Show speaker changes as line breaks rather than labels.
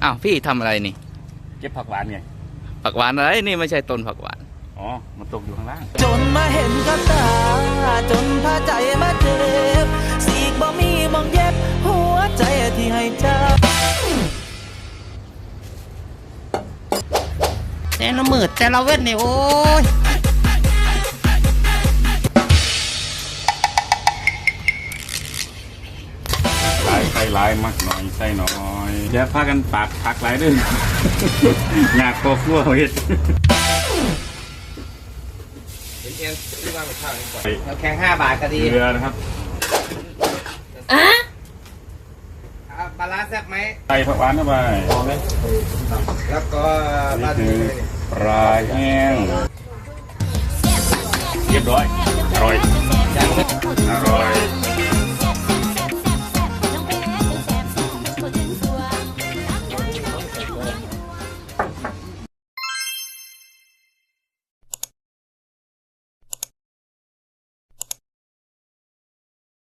อ้าวพี่ทำอะไรนี่
เก็บผักหวานไง
ผักหวานอะไรนี่ไม่ใช่ต้นผักหวาน
อ๋อมันตกอยู่ข้างล่าง
จนมาเห็นกับตาจนพาใจมาเจ็บสีกบ่มีมองเย็บหัวใจที่ให้เจ้าแต่ละมืดแต่ละเว้นนี่โอ้ย
ลายใส่ลายมากหน่อยใส่หน่อยอย่าพากันปากผักหลายเด้วย อยากโคคั่วเห็ด
เอ็นที่ว่ามันข้าวนี่ก่อนเราแข่ง5 บาทก็ดี
เกลือนะครับ
ปลาร้าแซ่บไหม
ใส่ผักหวานเข้าไป
แล้วก็ปลา
นี่
ทู
คือปลาแห้งเรียบร้อยอร่อยอร่อย